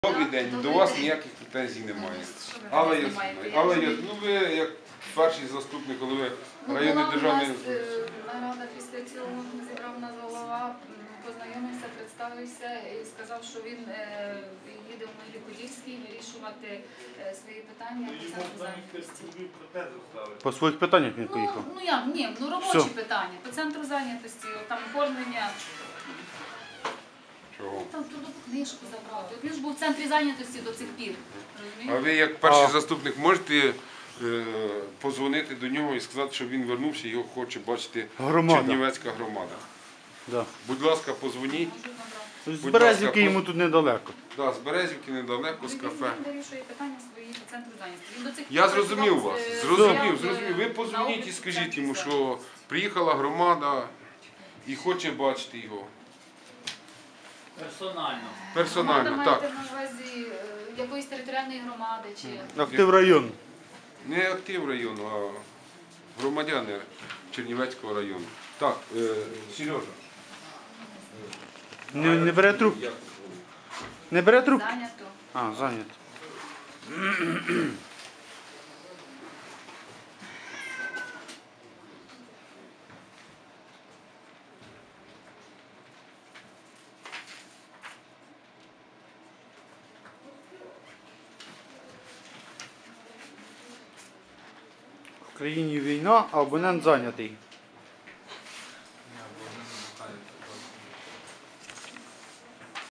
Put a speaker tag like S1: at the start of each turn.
S1: Добрий день, до вас ніяких претензій немає. Але ви як перший заступник голови районної державної...
S2: Нарада після цього зібрав нас голова, познайомився, представився і сказав, що він їде в Могилів-Подільський вирішувати свої питання по центру зайнятості.
S3: По своїх питаннях він поїхав?
S2: Ну робочі питання, по центру зайнятості, там оформлення.
S1: Чого?
S2: Там трудову книжку забрати. Він ж був в центрі зайнятості до цих пір.
S1: А ви як перший заступник можете позвонити до нього і сказати, що він вернувся і його хоче бачити Чернівецька громада?
S3: Да.
S1: Будь ласка, позвоніть.
S3: З Березівки йому тут недалеко.
S1: Так, з Березівки недалеко, з кафе.
S2: Він вирішує питання свої по центру зайнятості.
S1: Я зрозумів вас. Зрозумів. Ви позвоніть і скажіть йому, що приїхала громада і хоче бачити його. Персонально, так.
S2: Маєте на увазі якоїсь територіальної громади чи...
S3: Актив району.
S1: Не актив району, а громадяни Чернівецького району. Так, Сережа.
S3: Не бере трубку? Не бере трубку?
S2: Зайнято.
S3: А, зайнято. В країні війна, а абонент зайнятий.